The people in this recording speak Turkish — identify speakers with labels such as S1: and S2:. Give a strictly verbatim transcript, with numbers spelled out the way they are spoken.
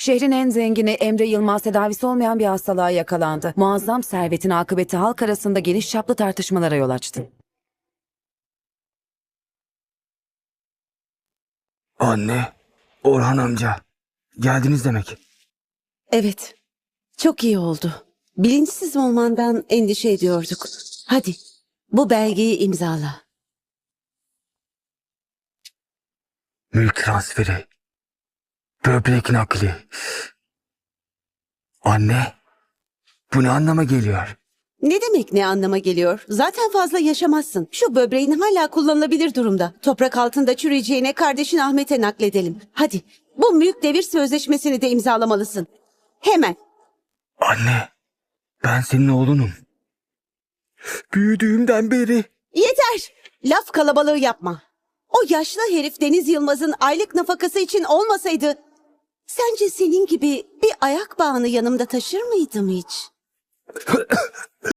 S1: Şehrin en zengini Emre Yılmaz tedavisi olmayan bir hastalığa yakalandı. Muazzam servetin akıbeti halk arasında geniş çaplı tartışmalara yol açtı.
S2: Anne, Orhan amca. Geldiniz demek.
S3: Evet, çok iyi oldu. Bilinçsiz olmandan endişe ediyorduk. Hadi, bu belgeyi imzala.
S2: Mülk transferi. Böbrek nakli. Anne, bu ne anlama geliyor?
S3: Ne demek ne anlama geliyor? Zaten fazla yaşamazsın. Şu böbreğin hala kullanılabilir durumda. Toprak altında çürüyeceğine kardeşin Ahmet'e nakledelim. Hadi, bu mülk devir sözleşmesini de imzalamalısın. Hemen.
S2: Anne, ben senin oğlunum. Büyüdüğümden beri.
S3: Yeter! Laf kalabalığı yapma. O yaşlı herif Deniz Yılmaz'ın aylık nafakası için olmasaydı... Sence senin gibi bir ayak bağını yanımda taşır mıydım hiç?